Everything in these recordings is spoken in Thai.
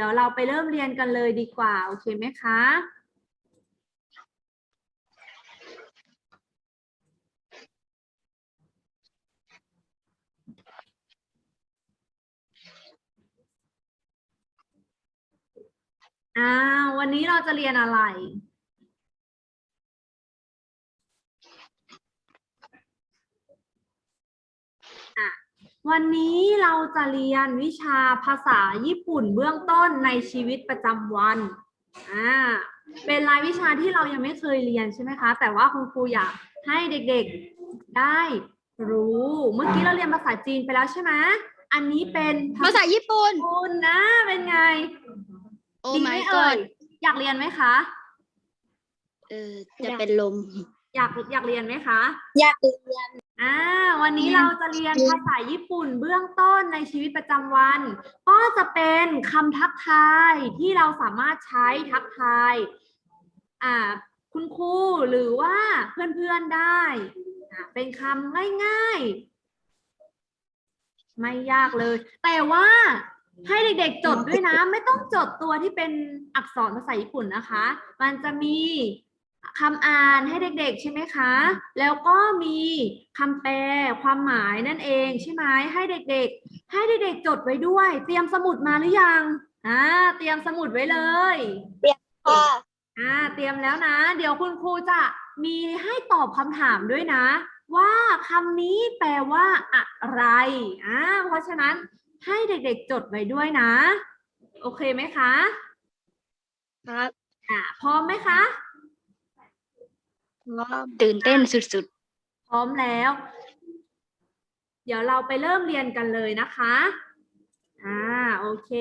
ยวเราไปเริ่มเรียนกันเลยดีกว่าโอเคไหมคะวันนี้เราจะเรียนอะไรวันนี้เราจะเรียนวิชาภาษาญี่ปุ่นเบื้องต้นในชีวิตประจำวันเป็นรายวิชาที่เรายังไม่เคยเรียนใช่ไหมคะแต่ว่าคุณครูอยากให้เด็กๆได้รู้เมื่อกี้เราเรียนภาษาจีนไปแล้วใช่ไหมอันนี้เป็นภาษาญี่ปุ่นคุณนะเป็นไงโอ้ดีไหม my เอ่ย god อยากเรียนไหมคะจะเป็นลมอยากเรียนไหมคะอยากเรียนวันนี้เราจะเรียนภาษาญี่ปุ่นเบื้องต้นในชีวิตประจำวัน ก็จะเป็นคำทักทายที่เราสามารถใช้ทักทายคุณครูหรือว่าเพื่อนๆได้เป็นคำง่ายๆไม่ยากเลย แต่ว่าให้เด็กๆจดด้วยนะไม่ต้องจดตัวที่เป็นอักษรภาษาญี่ปุ่นนะคะมันจะมีคำอ่านให้เด็กๆใช่ไหมคะแล้วก็มีคำแปลความหมายนั่นเองใช่ไหมให้เด็กๆจดไว้ด้วยเตรียมสมุดมาหรือยังเตรียมสมุดไว้เลยเรียนค่ะเตรียมแล้วนะเดี๋ยวคุณครูจะมีให้ตอบคำถามด้วยนะว่าคำนี้แปลว่าอะไรเพราะฉะนั้นให้เด็กๆจดไว้ด้วยนะโอเคไหมคะครับพร้อมไหมคะตื่นเต้นสุดๆพร้อมแล้ว เดี๋ยวเราไปเริ่มเรียนกันเลยนะคะโอเค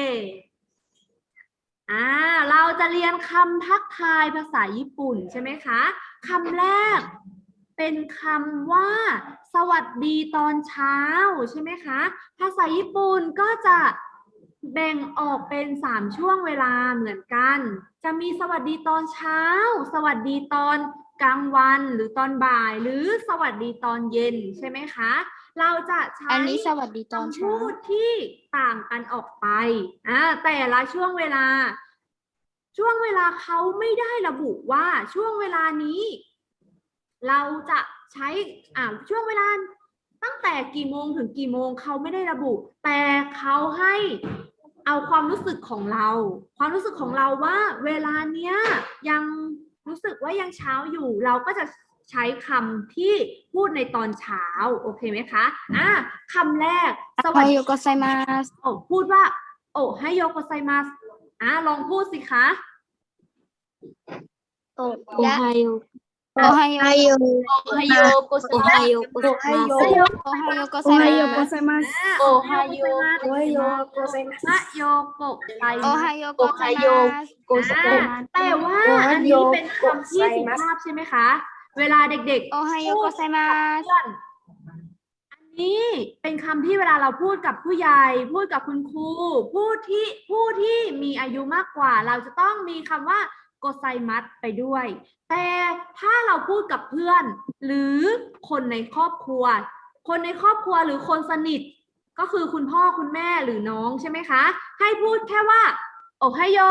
เราจะเรียนคำทักทายภาษาญี่ปุ่นใช่ไหมคะคำแรกเป็นคำว่าสวัสดีตอนเช้าใช่ไหมคะภาษาญี่ปุ่นก็จะแบ่งออกเป็น3ช่วงเวลาเหมือนกันจะมีสวัสดีตอนเช้าสวัสดีตอนกลางวันหรือตอนบ่ายหรือสวัสดีตอนเย็นใช่ไหมคะเราจะใช้อันนี้สวัสดีตอนเช้าพูดที่ต่างกันออกไปแต่ละช่วงเวลาเขาไม่ได้ระบุว่าช่วงเวลานี้เราจะใช้ช่วงเวลาตั้งแต่กี่โมงถึงกี่โมงเขาไม่ได้ระบุแต่เขาให้เอาความรู้สึกของเราว่าเวลาเนี้ยยังรู้สึกว่ายังเช้าอยู่เราก็จะใช้คำที่พูดในตอนเช้าโอเคไหมคะคำแรกสวัสดีโกไซมาสพูดว่าโอไฮโยโกไซมาสลองพูดสิคะโอไฮโอโอไฮโอโอไฮโอโกไซมาสโอไฮโอโอไฮโอโกไซมาสโอไฮโอโอไฮโอโกไซมาสโยโกไซโอไฮโอโกไซมาสแต่ว่าอันนี้เป็นคำที่สุภาพใช่ไหมคะเวลาเด็กๆโอไฮโอโกไซมาสอันนี้เป็นคำที่เวลาเราพูดกับผู้ใหญ่พูดกับคุณครูผู้ที่มีอายุมากกว่าเราจะต้องมีคำว่าโกไซมัสไปด้วยแต่ถ้าเราพูดกับเพื่อนหรือคนในครอบครัวหรือคนสนิทก็คือคุณพ่อคุณแม่หรือน้องใช่ไหมคะให้พูดแค่ว่าโอไฮโย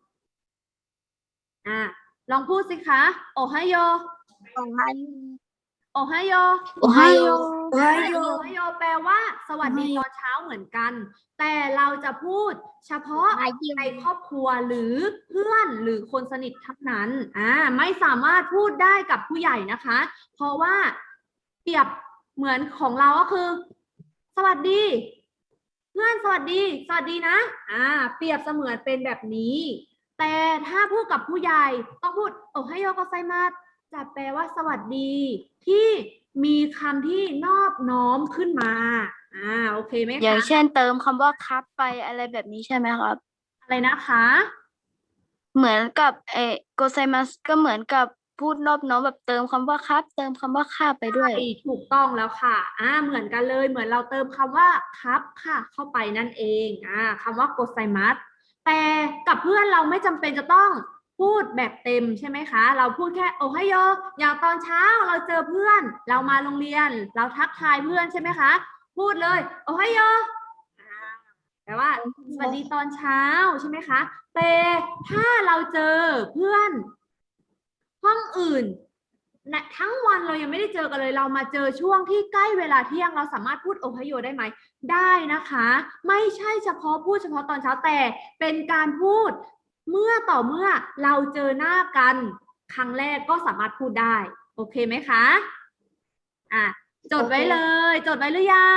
ลองพูดสิคะโอไฮโยโอไฮโอไฮโยโอไฮโอโอไฮโยแปลว่าสวัสดีตอนเช้าเหมือนกันแต่เราจะพูดเฉพาะในครอบครัวหรือเพื่อนหรือคนสนิทเท่านั้นไม่สามารถพูดได้กับผู้ใหญ่นะคะเพราะว่าเปรียบเหมือนของเราก็คือสวัสดีเพื่อนสวัสดีนะเปรียบเสมือนเป็นแบบนี้แต่ถ้าพูดกับผู้ใหญ่ต้องพูดโอไฮโยโกไซมัสจะแปลว่าสวัสดีที่มีคำที่นอบน้อมขึ้นมาโอเคไหมคะอย่างเช่นเติมคำว่าครับไปอะไรแบบนี้ใช่ไหมครับอะไรนะคะเหมือนกับโกไซมัสก็เหมือนกับพูดนอบน้อมแบบเติมคำว่าครับเติมคำว่าค่าไปด้วยถูกต้องแล้วค่ะเหมือนกันเลยเหมือนเราเติมคำว่าครับค่ะเข้าไปนั่นเองคำว่าโกไซมัสแต่กับเพื่อนเราไม่จำเป็นจะต้องพูดแบบเต็มใช่ไหมคะเราพูดแค่โอไฮโยอย่างตอนเช้าเราเจอเพื่อนเรามาโรงเรียนเราทักทายเพื่อนใช่ไหมคะพูดเลยโอไฮโยแปลว่าสวัสดีตอนเช้าใช่ไหมคะแต่ถ้าเราเจอเพื่อนห้องอื่นนะทั้งวันเรายังไม่ได้เจอกันเลยเรามาเจอช่วงที่ใกล้เวลาเที่ยงเราสามารถพูดโอไฮโอได้ไหมได้นะคะไม่ใช่เฉพาะพูดเฉพาะตอนเช้าแต่เป็นการพูดเมื่อต่อเมื่อเราเจอหน้ากันครั้งแรกก็สามารถพูดได้โอเคไหมคะจดไว้เลยจดไว้หรือยัง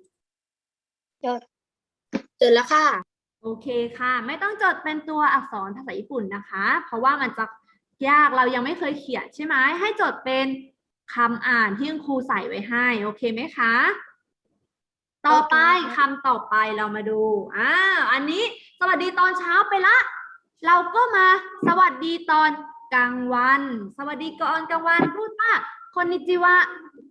เจอแล้วค่ะโอเคค่ะไม่ต้องจดเป็นตัวอักษรภาษาญี่ปุ่นนะคะเพราะว่ามันจะยากเรายังไม่เคยเขียนใช่ไหมให้จดเป็นคำอ่านที่คุณครูใส่ไว้ให้โอเคไหมคะต่อไปคำต่อไปเรามาดูอันนี้สวัสดีตอนเช้าไปละเราก็มาสวัสดีตอนกลางวันสวัสดีก่อนกลางวันพูดว่าคนนิจิวะ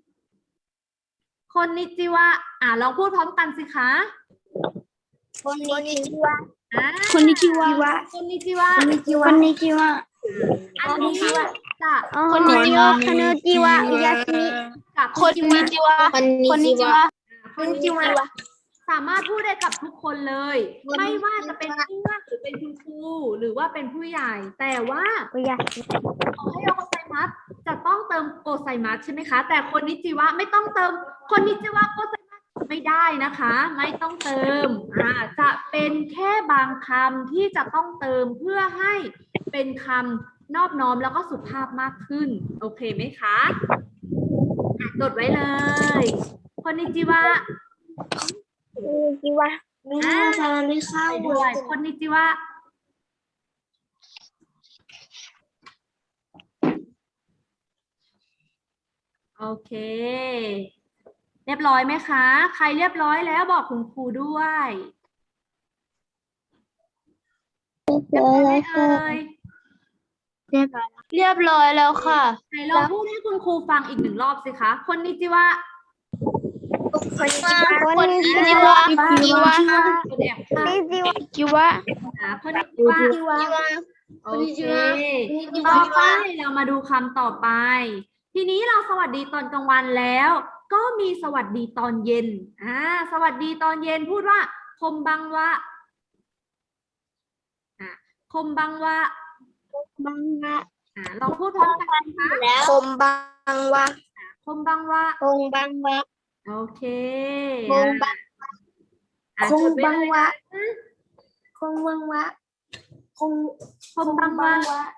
คนนิจิวะลองพูดพร้อมกันสิคะคนนิจิวะคนนิจิวะคนนิจิวะคนนิจิวะคนนิจิวะอันนี้จะคนนิจิวะคนนิจิวะยาชิกับคนนิจิวะคนนิจิวะคนนิจิวะสามารถพูดได้กับทุกคนเลย ไม่ว่าจะเป็นเพื่อนหรือเป็นคุณครูหรือว่าเป็นผู้ใหญ่ แต่ว่าโอไฮโอโกไซมัสจะต้องเติมโกไซมัสใช่ไหมคะแต่คนนิจิวะไม่ต้องเติมคนนิจิวะโกไซมัสไม่ได้นะคะไม่ต้องเติมจะเป็นแค่บางคำที่จะต้องเติมเพื่อให้เป็นคำนอบน้อมแล้วก็สุภาพมากขึ้นโอเคไหมคะจดไว้เลยคนนิจิวะจิวะไม่เข้าด้วยคนนิจิวะโอเคเรียบร้อยไหมคะใครเรียบร้อยแล้วบอกคุณครูด้วยเรียบร้อยไหมเอ่ยเรียบร้อยแล้วค่ะไหนลองพูดให้คุณครูฟังอีกหนึ่งรอบสิคะคนนิจิวะคนนิจิวะคนนิจิวะคนนิจิวะคนแอบค่ะจิวะคนนิจิวะโอเคต่อไปเรามาดูคำต่อไปทีนี้เราสวัสดีตอนกลางวันแล้วก็มีสวัสดีตอนเย็นสวัสดีตอนเย็นพูดว่าคมบังวะคมบังวะบังวะลองพูดพร้อมกันนะคะคมบังวะคมบังวะคงบังวะโอเคคงบังคงบังวะคงบังวะคมบังวะ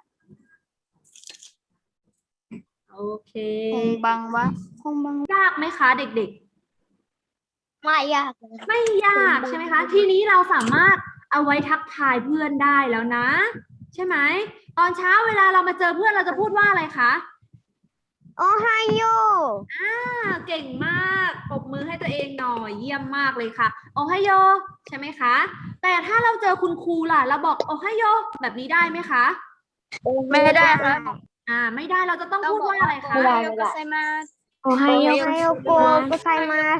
โอเคคงบังวะคงบังยากไหมคะเด็กๆไม่ยากไม่ยากใช่ไหมคะทีนี้เราสามารถเอาไว้ทักทายเพื่อนได้แล้วนะใช่ไหมตอนเช้าเวลาเรามาเจอเพื่อนเราจะพูดว่าอะไรคะโอไฮโอเก่งมากปรบมือให้ตัวเองหน่อยเยี่ยมมากเลยค่ะโอไฮโอใช่ไหมคะแต่ถ้าเราเจอคุณครูล่ะเราบอกโอไฮโอแบบนี้ได้ไหมคะไม่ได้ค่ะไม่ได้เราจะต้องพูดว่าอะไรคะโอไฮโอโกไซมัสโอไฮโอโกไซมัส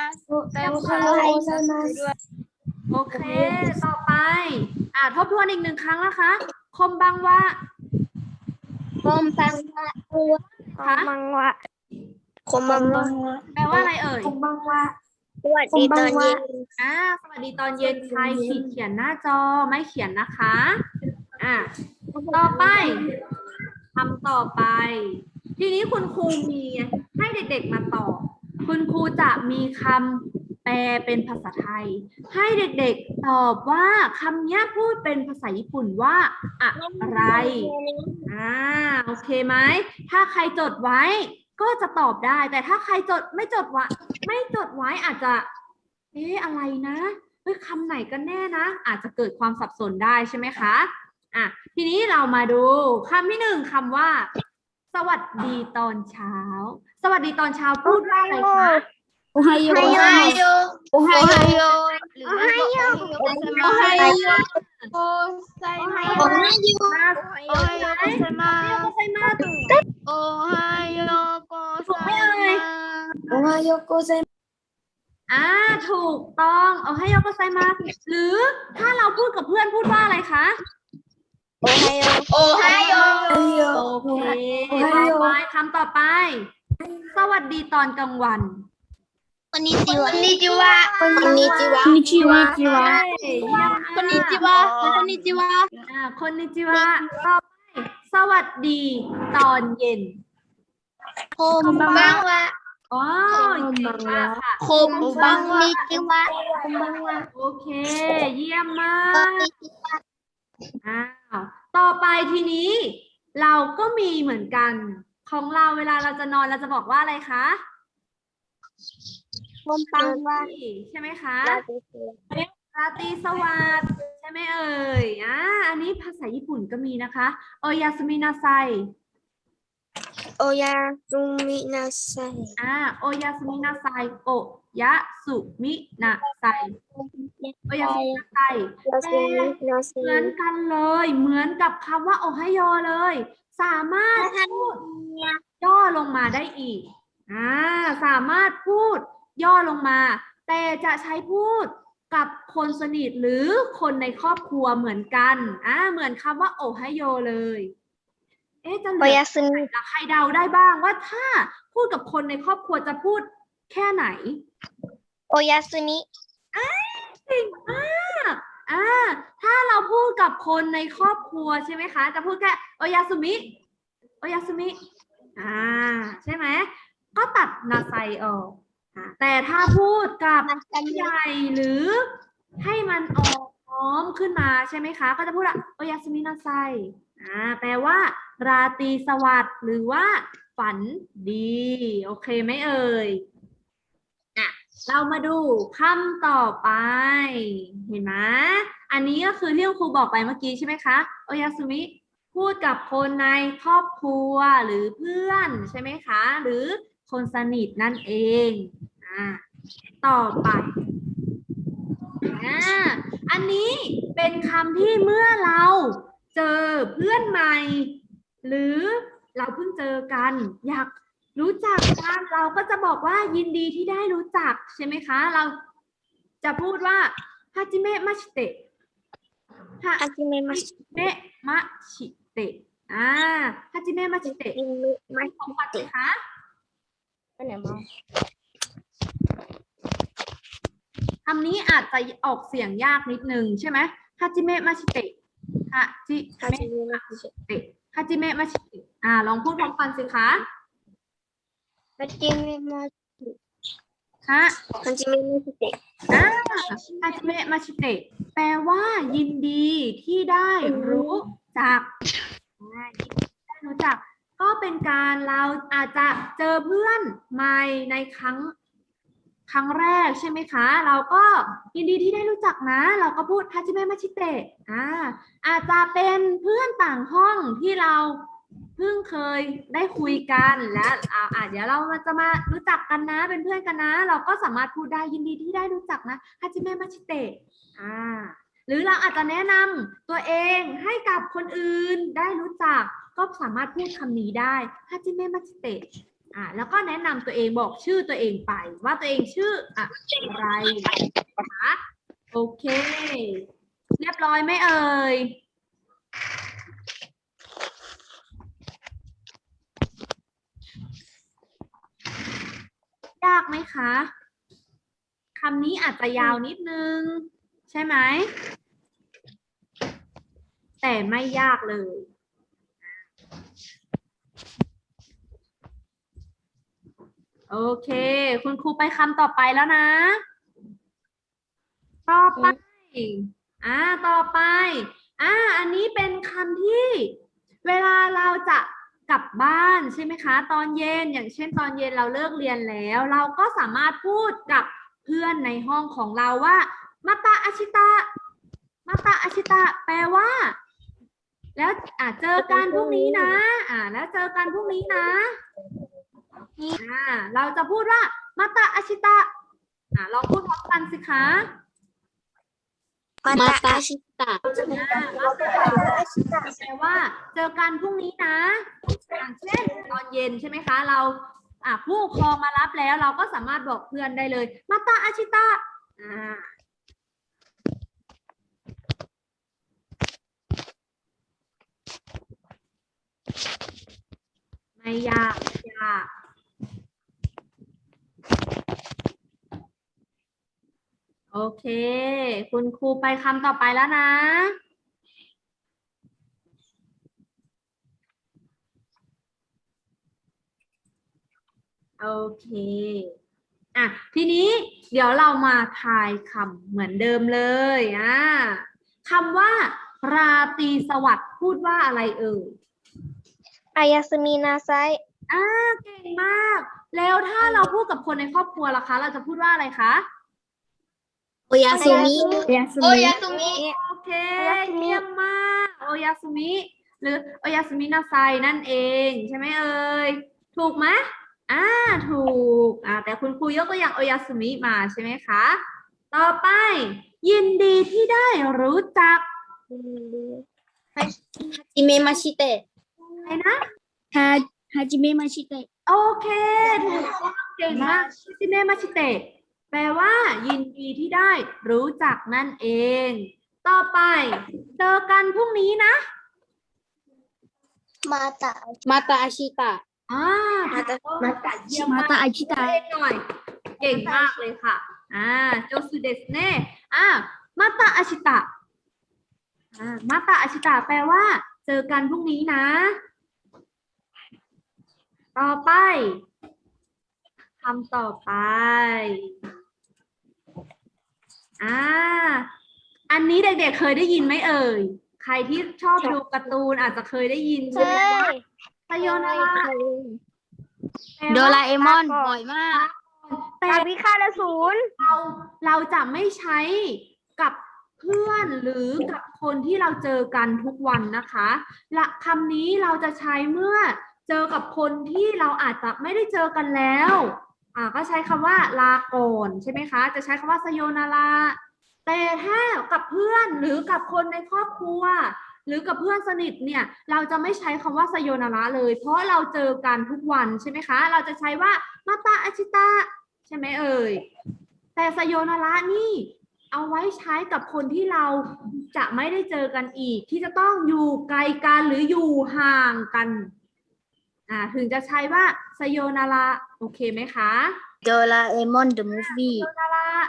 โอเคต่อไปทบทวนอีกหนึ่งครั้งนะคะคมบังวะคมบังวะคมบังวะคมบังวะแปลว่าอะไรเอ่ยคมบังวะสวัสดีตอนเย็นสวัสดีตอนเย็นใครเขียนหน้าจอไม่เขียนนะคะต่อไปคำต่อไปทีนี้คุณครูมีให้เด็กๆมาตอบคุณครูจะมีคำแปลเป็นภาษาไทยให้เด็กๆตอบว่าคำนี้พูดเป็นภาษาญี่ปุ่นว่าอะไรโอเคไหมถ้าใครจดไว้ก็จะตอบได้แต่ถ้าใครไม่จดไว้อาจจะอะไรนะคำไหนกันแน่นะอาจจะเกิดความสับสนได้ใช่ไหมคะทีนี้เรามาดูคำที่หนึ่งคำว่าสวัสดีตอนเช้าสวัสดีตอนเช้าพูดว่าอะไรคะโอไฮโอโอไฮโอโอไฮโอโอไฮโอโอไฮโอโอไซมาโอไฮโอโอไฮโอโกไซมาโอไฮโอโกไซมาโอไฮโอโกไซมาถูกต้องโอไฮโอโกไซมาหรือถ้าเราพูดกับเพื่อนพูดว่าอะไรคะโอไฮโอโอไฮโอโอเคต่อไปคำต่อไปสวัสดีตอนกลางวันสคนนี้จิวะคนนี้จิวะคนนี้จิวะเยี่ยมมากคนนี้จิวะคนนี้จิวะคนนิจิวะต่อไปสวัสดีตอนเย็นโคมบังวะอ๋อเก่งมากค่ะโคมบังนิจิวะโคมบังวะโอเค เยี่ยมมากอ้าวต่อไปทีนี้ เราก็มีเหมือนกัน ของเราเวลาเราจะนอนเราจะบอกว่าอะไรคะโคมบังวะใช่ไหมคะ ราตรีสวัสดิ์ใช่ไหมเอ่ยอันนี้ภาษาญี่ปุ่นก็มีนะคะ โอยาสมินาไซโอยาซุมินาไซโอยาสมินาไซโอยะสุมินาไซโอยาสมินาไซเหมือนกันเลย เหมือนกับคำว่าโอไฮโอเลย สามารถพูดย่อลงมาได้อีกสามารถพูดย่อลงมา แต่จะใช้พูดกับคนสนิทหรือคนในครอบครัวเหมือนกันเหมือนคำว่าโอไฮโอเลยจะเหลือใครเดาได้บ้างว่าถ้าพูดกับคนในครอบครัวจะพูดแค่ไหนโอยาซุมิเก่งมากถ้าเราพูดกับคนในครอบครัวใช่ไหมคะจะพูดแค่โอยาสุมิโอยาสุมิใช่ไหมก็ตัดนาไซออกแต่ถ้าพูดกับผู้ใหญ่หรือให้มันออกพร้อมขึ้นมาใช่ไหมคะก็จะพูดว่าโอยาสุมินาไซแปลว่าราตรีสวัสดิ์หรือว่าฝันดีโอเคไหมเอ่ยเรามาดูคำต่อไปเห็นไหมอันนี้ก็คือที่ครูบอกไปเมื่อกี้ใช่ไหมคะโอยาสุมิพูดกับคนในครอบครัวหรือเพื่อนใช่ไหมคะหรือคนสนิทนั่นเองต่อไปอันนี้เป็นคำที่เมื่อเราเจอเพื่อนใหม่หรือเราเพิ่งเจอกันอยากรู้จักกันเราก็จะบอกว่ายินดีที่ได้รู้จักใช่ไหมคะเราจะพูดว่าฮาจิเมะมาชิเตะฮาจิเมะมาชิเตะฮาจิเมะมาชิเตะของขวัญสิคะคำนี้อาจจะออกเสียงยากนิดนึงใช่ไหมฮาจิเมะมาชิเตะฮาจิเมะมาชิเตะฮาจิเมะมาชิเตะลองพูดพร้อมกันสิคะฮาจิเมะมาฮาจิเมะมาชิเตะฮาจิเมะมาชิเตะแปลว่ายินดีที่ได้รู้จักได้รู้จักก็เป็นการเราอาจจะเจอเพื่อนใหม่ในครั้งแรกใช่ไหมคะเราก็ยินดีที่ได้รู้จักนะเราก็พูดฮาจิเมะมาชิเตะอาจจะเป็นเพื่อนต่างห้องที่เราเพิ่งเคยได้คุยกันและเดี๋ยวเราจะมารู้จักกันนะเป็นเพื่อนกันนะเราก็สามารถพูดได้ยินดีที่ได้รู้จักนะฮาจิเมะมาชิเตะหรือเราอาจจะแนะนำตัวเองให้กับคนอื่นได้รู้จักก็สามารถพูดคำนี้ได้ฮาจิเมะมาชิเตะแล้วก็แนะนำตัวเองบอกชื่อตัวเองไปว่าตัวเองชื่ออะไรนะคะโอเคเรียบร้อยไหมเอ่ยยากไหมคะคำนี้อาจจะยาวนิดนึงใช่ไหมแต่ไม่ยากเลยโอเคคุณครูไปคำต่อไปแล้วนะต่อไปต่อไปอันนี้เป็นคำที่เวลาเราจะกลับบ้านใช่ไหมคะตอนเย็นอย่างเช่นตอนเย็นเราเลิกเรียนแล้วเราก็สามารถพูดกับเพื่อนในห้องของเราว่ามาตาอาชิตะมาตาอาชิตะแปลว่าแล้วเจอกันพรุ่งนี้นะแล้วเจอกันพรุ่งนี้นะเราจะพูดว่ามาตาอาชิตะลองพูดพร้อมกันสิคะมาตาชิตะแปลว่าเจอกันพรุ่งนี้นะอย่างเช่นตอนเย็นใช่ไหมคะเราผู้ปกครองมารับแล้วเราก็สามารถบอกเพื่อนได้เลยมาตาอาชิตะไม่ยากเค คุณครูไปคำต่อไปแล้วนะ โอเค อ่ะ ทีนี้เดี๋ยวเรามาทายคำเหมือนเดิมเลยคำว่า ราตรีสวัสดิ์พูดว่าอะไรเอ่ยอายาสมีนาไซเก่งมาก แล้วถ้าเราพูดกับคนในครอบครัวล่ะคะ เราจะพูดว่าอะไรคะโอยาสุมิโอยาสุมิโอเค เยี่ยมมาก โอยาสุมิ หรือโอยาสุมินาไซนั่นเอง ใช่ไหมเอ่ย ถูกไหมถูก แต่คุณครูยกตัวอย่างโอยาสุมิมาใช่ไหมคะ ต่อไป ยินดีที่ได้รู้จักฮาจิเมะมาชิเตะอะไรนะฮาจิเมะมาชิเตะโอเคถูกต้องเก่งมากชิเมมาชิเตะแปลว่า ยินดีที่ได้รู้จักนั่นเอง ต่อไปเจอกันพรุ่งนี้นะมาตะมาตาอาชิตะมาตาเยี่ยมมามากตาอาชิตะเล่นหน่อย เก่งมากเลยค่ะโจสุเดสเน่มาตาอาชิตะมาตาอาชิตะแปลว่า เจอกันพรุ่งนี้นะ ต่อไปคำต่อไปอันนี้เด็กๆเคยได้ยินไหมเอ่ย ใครที่ชอบดูการ์ตูนอาจจะเคยได้ยินใช่ไหมคะไซโยนาระโดราเอมอนบ่อยมากแต่วิคาลศูนย์เราจะไม่ใช้กับเพื่อนหรือกับคนที่เราเจอกันทุกวันนะคะและคำนี้เราจะใช้เมื่อเจอกับคนที่เราอาจจะไม่ได้เจอกันแล้วก็ใช้คำว่าลาก่อนใช่ไหมคะ จะใช้คำว่าไซโยนาระแต่ถ้ากับเพื่อนหรือกับคนในครอบครัว หรือกับเพื่อนสนิทเนี่ยเราจะไม่ใช้คำว่าไซโยนาระเลย เพราะเราเจอกันทุกวันใช่ไหมคะ เราจะใช้ว่ามาตาอาชิตะใช่ไหมเอ่ยแต่ไซโยนาระนี่เอาไว้ใช้กับคนที่เราจะไม่ได้เจอกันอีก ที่จะต้องอยู่ไกลกันหรืออยู่ห่างกันถึงจะใช้ว่าไซโยนาระโอเคไหมคะโดราเอมอนเดอะมูฟวี่ไซโยนาระ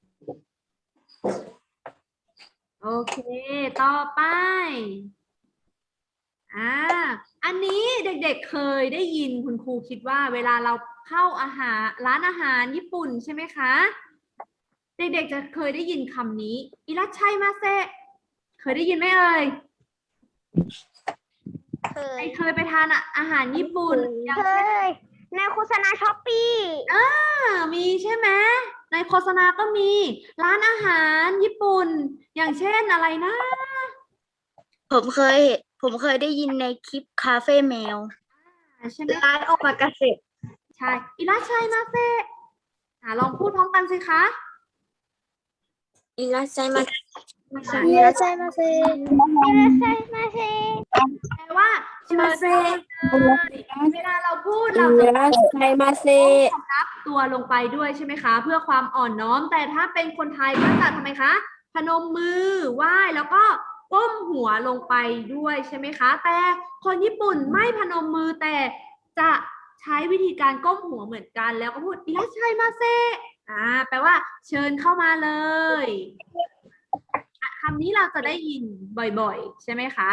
โอเค ต่อไปอันนี้เด็กๆเคยได้ยินคุณครูคิดว่าเวลาเราเข้าร้านอาหารญี่ปุ่นใช่ไหมคะ เด็กๆจะเคยได้ยินคำนี้อิรัชชัยมาเซะเคยได้ยินไหมเอ่ย เคยไปทานอาหารญี่ปุ่นอย่างเคเช่นยในโฆษณาช้อปปี้มีใช่ไหมในโฆษณาก็มีร้านอาหารญี่ปุ่น อย่างเช่นอะไรนะผมเคยได้ยินในคลิปคาเฟ่แมวใช่ไหมร้านโอมากาเสะใช่อิรัชชัยมาเซะลองพูดพร้อมกันสิคะอิราไซมาอิราไซมาเซอิราไซมาเซแปลว่าเชิญเวลาเราพูดเราจะไซมาเซรับตัวลงไปด้วยใช่ไหมคะ เพื่อความอ่อนน้อม แต่ถ้าเป็นคนไทยก็จะทำไมคะพนมมือไหว้แล้วก็ก้มหัวลงไปด้วยใช่ไหมคะ แต่คนญี่ปุ่นไม่พนมมือแต่จะใช้วิธีการก้มหัวเหมือนกันแล้วก็พูดอิรัชชัยมาเซแปลว่าเชิญเข้ามาเลยคำนี้เราจะได้ยินบ่อยๆใช่ไหมคะ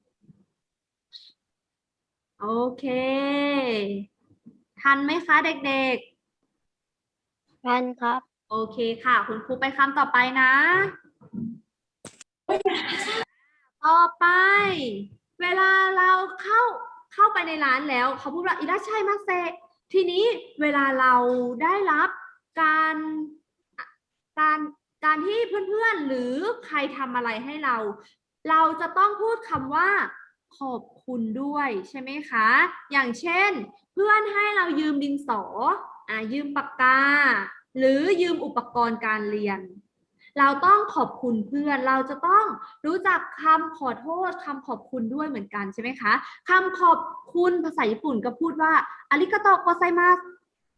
โอเคทันไหมคะเด็กๆทันครับโอเคค่ะ คุณครูไปคำต่อไปนะ ต่อไป เวลาเราเข้าไปในร้านแล้วเขาพูดว่าอิรัชชัยมาเซะทีนี้เวลาเราได้รับการที่เพื่อนๆหรือใครทำอะไรให้เราจะต้องพูดคำว่าขอบคุณด้วยใช่ไหมคะ อย่างเช่น เพื่อนให้เรายืมดินสอยืมปากกาหรือยืมอุปกรณ์การเรียน เราต้องขอบคุณเพื่อนเราจะต้องรู้จักคำขอโทษคำขอบคุณด้วยเหมือนกันใช่ไหมคะคำขอบคุณภาษาญี่ปุ่นก็พูดว่าอาริกาโตะโกไซมัส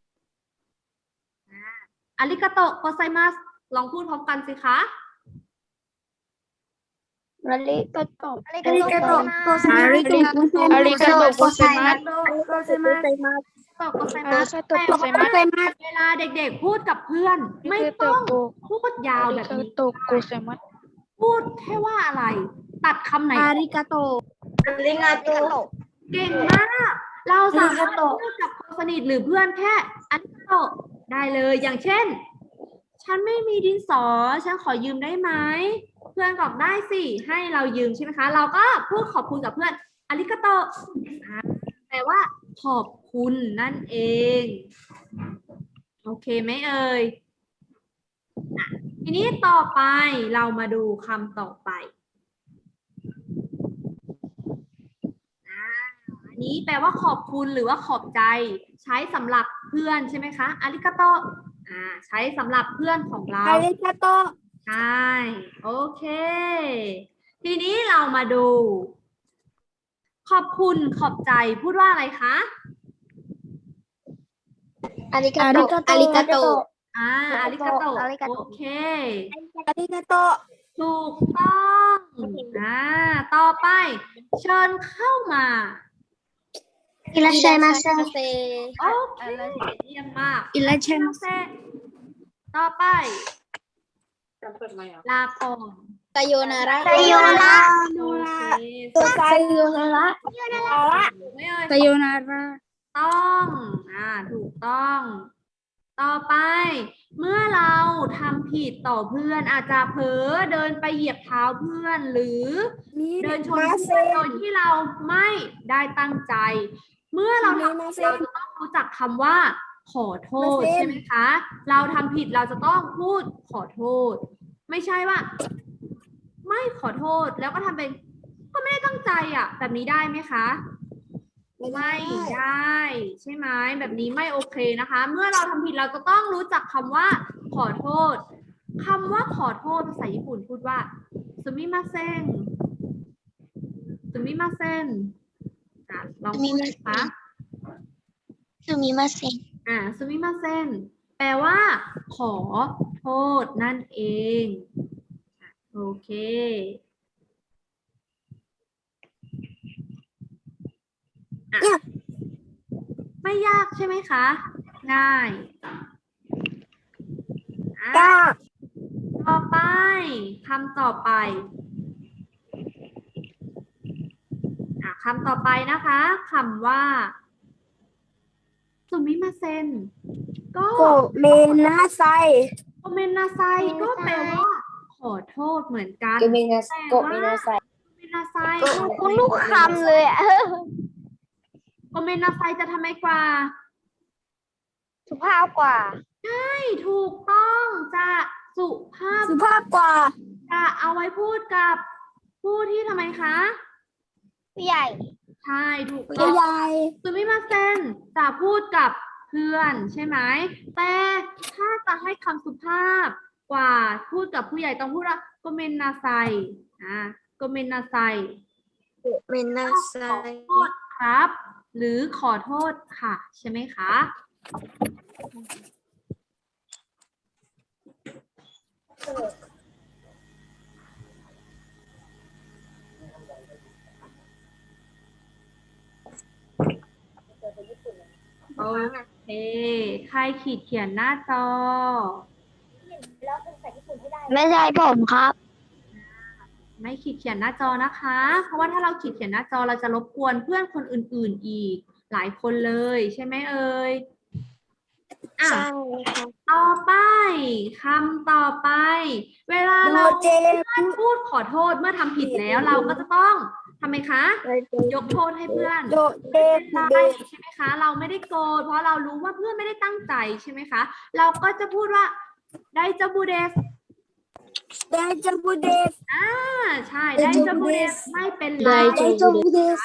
อาริกาโตะโกไซมัสลองพูดพร้อมกันสิคะอาริกาโตะอาริกาโตะโกไซมัสอาริกาโตะอาริกาโตะโกไซมัสโกไซมัสแปลว่าเวลาเด็กๆพูดกับเพื่อนไม่ต้องพูพูดยาวแบบนี้โตโกเซมัสพูดแค่ว่าอะไร ตัดคำไหนอาริกาโตลิงาโตเก่งมาก เราสามารถพูดกับคนสนิทหรือเพื่อนแค่อันโตได้เลย อย่างเช่น ฉันไม่มีดินสอ ฉันขอยืมได้ไหม เพื่อนบอกได้สิ ให้เรายืมใช่ไหมคะ เราก็พูดขอบคุณกับเพื่อนอาริกาโตแปลว่าขอบคุณนั่นเอง โอเคไหมเอ่ย ทีนี้ต่อไปเรามาดูคำต่อไปอันนี้แปลว่าขอบคุณหรือว่าขอบใจ ใช้สำหรับเพื่อนใช่ไหมคะอาริกาโตใช้สำหรับเพื่อนของเราอาริกาโตใช่โอเค ทีนี้เรามาดู ขอบคุณขอบใจพูดว่าอะไรคะอาริกาโตอาริกาโตอาริกาโตอาริกาโตโอเคอาริกาโตถูกต้องต่อไป เชิญเข้ามาอิราชัยมาเซโอเคเยี่ยมมากอิราชัยมาเซต่อไป ลาก่อนตโยนาระโอเคไซโยนาระไม่เอ่ยไซโยนาระต้องถูกต้อง ต่อไป เมื่อเราทำผิดต่อเพื่อนอาจจะเผลอเดินไปเหยียบเท้าเพื่อนหรือเดินชนเพื่อนโดยที่เราไม่ได้ตั้งใจ เมื่อเราทำผิดเราจะต้องรู้จักคำว่า ขอโทษใช่ไหมคะ เราทำผิดเราจะต้องพูดขอโทษ ไม่ใช่ว่า ไม่ขอโทษแล้วก็ทำเป็นก็ไม่ได้ตั้งใจแบบนี้ได้ไหมคะ ไม่ได้ใช่ไหมแบบนี้ไม่โอเคนะคะ เมื่อเราทำผิดเราจะต้องรู้จักคำว่า ขอโทษคำว่าขอโทษภาษาญี่ปุ่นพูดว่าซุมิมาเซ็นซุมิมาเซ็นลองพูดนะคะซูมิมาเซซุมิมาเซ็นแปลว่า ขอโทษนั่นเองโอเคไม่ยากใช่ไหมคะ ง่ายต่อไปคำต่อไปคำต่อไปนะคะคำว่าสุมิมาเซนก็โกเมนาไซโกเมนนาไซก็แปลว่า ขอโทษเหมือนกันโกเมนาไซโกเมนนาไซคุณลูกคำเลยอ่ะโกเมนนาไซจะทำไมกว่าสุภาพกว่าไม่ถูกต้องจะสุภาพสุภาพกว่าจะเอาไว้พูดกับผู้ที่ทำไมคะผู้ใหญ่ใช่ถูกต้ผู้องใหญ่ซูมิมาเซนจะพูดกับเพื่อนใช่ไหมแต่ถ้าจะให้คำสุภาพกว่าพูดกับผู้ใหญ่ต้องพูดว่าโกเมนนาไซโกเมนนาไซเมนาไซขอโทษครับ หรือขอโทษค่ะใช่ไหมคะโอเคใครขีดเขียนหน้าจอไม่ใช่ผมครับไม่ขีดเขียนหน้าจอนะคะ เพราะว่าถ้าเราขีดเขียนหน้าจอเราจะรบกวนเพื่อนคนอื่นๆอีกหลายคนเลยใช่ไหมเอ่ยต่อไปคำต่อไป เวลาเราพูดขอโทษเมื่อทำผิดแล้วเราก็จะต้องทำไมคะ ยกโทษให้เพื่อนโดเดใช่ไหมคะ เราไม่ได้โกรธเพราะเรารู้ว่าเพื่อนไม่ได้ตั้งใจใช่ไหมคะ เราก็จะพูดว่าไดจาบูเดสไดจาบูเดสใช่ไดจาบูเดสไม่เป็นไรไดจาบูเดส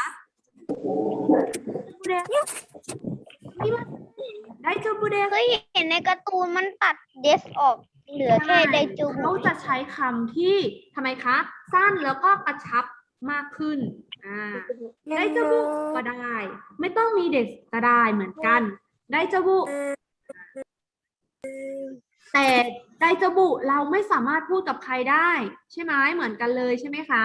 ได้จูบูเดสเคยเห็นในการ์ตูนมันตัดเดสออกเหลือแค่ไดจูเขาจะใช้คำที่ทำไมคะ สั้นแล้วก็กระชับมากขึ้นได้จูบุก็ได้ ไม่ต้องมีเด็กก็ได้เหมือนกันได้จูบุแต่ไดจูบุเราไม่สามารถพูดกับใครได้ใช่ไหมเหมือนกันเลยใช่ไหมคะ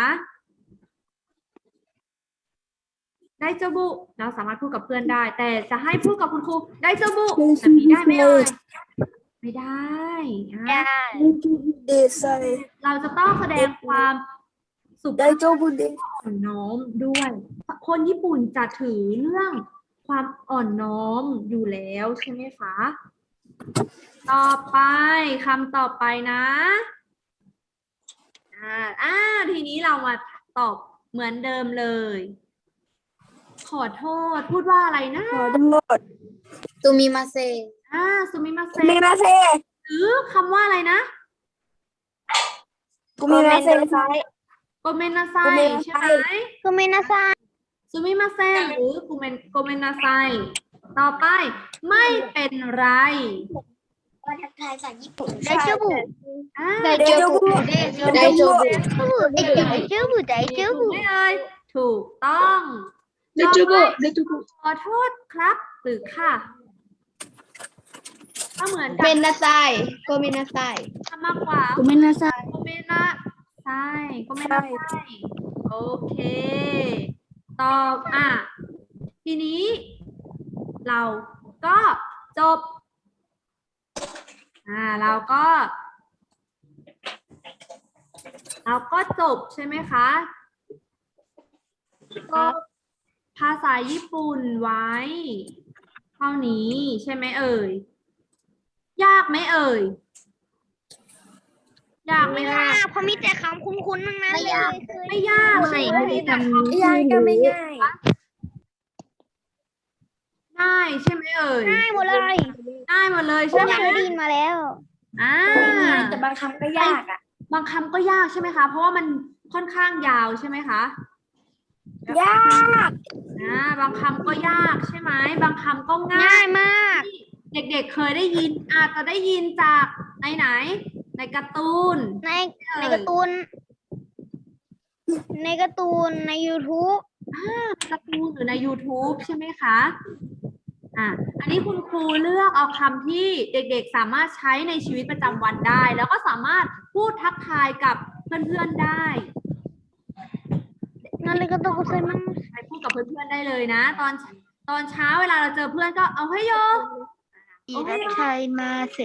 ไดจาบุเราสามารถพูดกับเพื่อนได้ แต่จะให้พูดกับคุณครูไดจาบุแบบนี้ได้ไหมเอ่ยไไม่ได้อ่ะได้เดซายเราจะต้องแสดงความสุภาได้พโจบุเดอ่อนน้อมด้วย คนญี่ปุ่นจะถือเรื่องความอ่อนน้อมอยู่แล้วใช่ไหมคะ ต่อไปคำต่อไปนะทีนี้เรามาตอบเหมือนเดิมเลย ขอโทษพูดว่าอะไรนะขอโทษตูมิมาเซสุมิมาเซมิมาเซหรือคำว่าอะไรนะกูมิมาเซโกเมนนาไซโกเมนนาไซใช่ไหมก็ไม่น่าซาซูมิมาเซนหรือโกเมนนาไซต่อไปไม่เป็นไรทักทายจากญี่ปุ่นได้เจ้าบุอ่าได้โจบุได้โจบุได้เจ้าบุได้เจ้าถูบุกไหมเอ่ยถูกต้องได้โจบุต่อไปได้โจบุขอโทษครับหรือค่ะก็เหมือนกัเมนนนาไซก็เมนนาไซทำมากกว่ากูมิมาเซโกเมนนาไซโกเมนนาไซโอเคตอบทีนี้เราก็จบเราก็จบใช่ไหมคะก็ภาษาญี่ปุ่นไว้ เท่านี้ใช่ไหมเอ่ย ยากไหมเอ่ย ยากไหมคะเพราะมีแต่คำคุ้นๆทั้งนั้นเลยไม่ยากใช่ไหมมีแต่คำง่ายก็ไม่ง่ายง่ายใช่ไหมเอ่ยง่ายหมดเลยง่ายหมดเลยเคใช่ไหมยได้ยินมาแล้วแต่บางคำก็ยากอ่ะบางคำก็ยากใช่ไหมคะ เพราะว่ามันค่อนข้างยาวใช่ไหมคะยากบางคำก็ยากใช่ไหม บางคำก็ง่าง่าย ยมากเด็กๆเคยได้ยิน อาจจะได้ยินจากไหน ในการ์ตูนในการ์ตูน ในการ์ตูน ใน YouTube การ์ตูนหรือใน YouTube ใช่ไหมคะ อันนี้คุณครูเลือกเอาคำที่เด็กๆสามารถใช้ในชีวิตประจำวันได้ แล้วก็สามารถพูดทักทายกับเพื่อนๆได้นั่นเลยก็ต้องใส่มั่งไปพูดกับเพื่อนๆได้เลยนะ ตอนเช้าเวลาเราเจอเพื่อนก็เอาให้โยอิรัชัยมาเส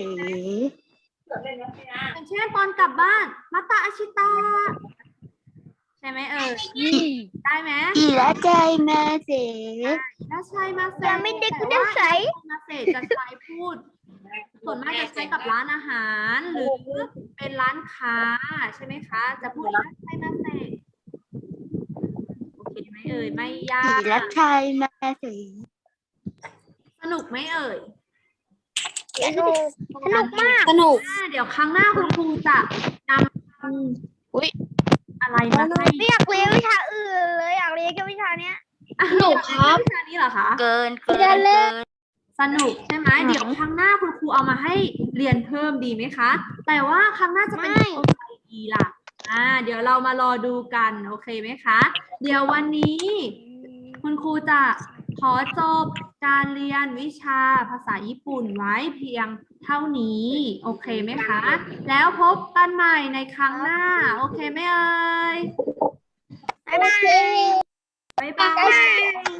อย่างเช่นตอนกลับบ้านมาตาอาชิตาใช่ไหมเอ่ยได้ไหมอิรัชัยมาเสถ้าใช่มาเซแต่ไม่เด็กกูได้ใส่มาเซจะใช้พูด ส่วนมากจะใช้กับร้านอาหารหรือเป็นร้านค้าใช่ไหมคะ จะพูดว่าใช่มาเซโอเคไหมเอ่ยไม่ยาอิกรัชัยมาเสสนุกไหมเอ่ยสนุกมากสนุกเดี๋ยวครั้งหน้าคุณครูจะนำอะไรมาให้ไม่อยากเรียนวิชาอื่นเลยอยากเรียนแค่วิชาเนี้ยสนุกครับวิชานี้เหรอคะเกินสนุกใช่ไหมเดี๋ยวครั้งหน้าคุณครูเอามาให้เรียนเพิ่มดีไหมคะ แต่ว่าครั้งหน้าจะเป็นตัวไหนดีล่ะเดี๋ยวเรามารอดูกันโอเคไหมคะ เดี๋ยววันนี้ คุณครูจะขอจบการเรียนวิชาภาษาญี่ปุ่นไว้เพียงเท่านี้โอเคไหมคะ แล้วพบกันใหม่ในครั้งหน้าโอเคไหมเอ่ยบ๊ายบายบ๊ายบาย